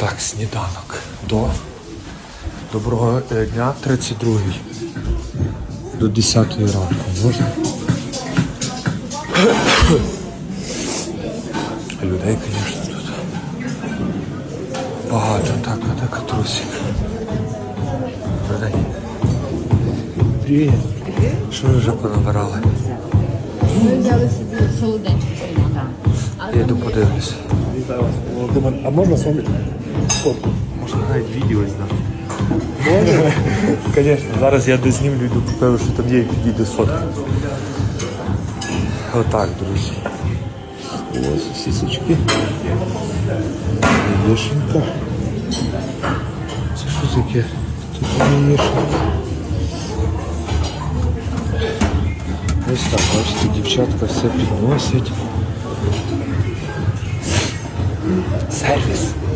Так, сніданок. Доброго дня, 32-й. До 10-ї ранку. Можна? Людей, звісно, тут багато. Так, трусик. Продай. Привіт. Що ви вже понабирали? Ми взяли собі солоденьку. Я йду подивлюся. А можна з вами фотку? Можна навіть відео зняти. Можна? Звісно, зараз я дознімлю, йду покажу, що там є, і підійду сфоткаю. Отак, друзі. Ось сісочки. Яєшенька. Це що таке? Тут яєшенька. Ось так, бачите, дівчатка все підносять. Сервіс.